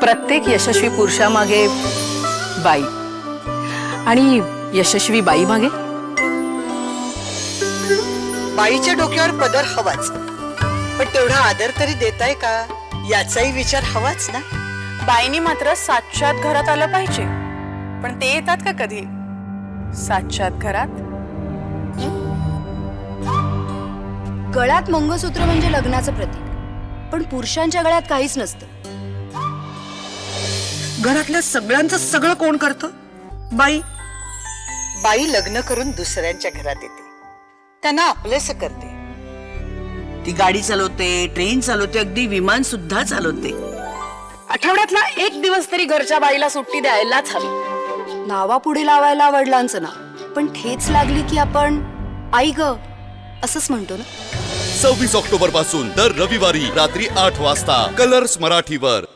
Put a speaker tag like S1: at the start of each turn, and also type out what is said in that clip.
S1: प्रत्येक यशस्वी पुरुषामागे बाई आणि यशस्वी बाई मागे
S2: बाईच्या डोक्यावर पदर हवाच, पण तेवढा आदर तरी देताय का याचाही विचार हवाच ना.
S3: बाईनी मात्र साक्षात घरात आलं पाहिजे, पण ते येतात का कधी साक्षात घरात?
S4: गळ्यात मंगळसूत्र म्हणजे लग्नाचं प्रतीक, पण पुरुषांच्या गळ्यात काहीच नसतं.
S5: घरातल्या सगळ्यांचं सगळं कोण करतं? बाई.
S2: बाई लग्न करून दुसऱ्यांच्या घरात येते, त्यांना आपलंसं करते.
S5: ती गाडी चालवते, ट्रेन चालवते, अगदी विमान सुद्धा चालवते.
S3: आठवड्यातला एक दिवस तरी घरच्या बाईला सुट्टी द्यायलाच हवी.
S4: नावापुढे लावायला वडिलांचं नाव, पण ठेच लागली की आपण आई ग असंच म्हणतो ना.
S6: 26 ऑक्टोबर पासून दर रविवारी रात्री 8 वाजता कलर्स मराठीवर.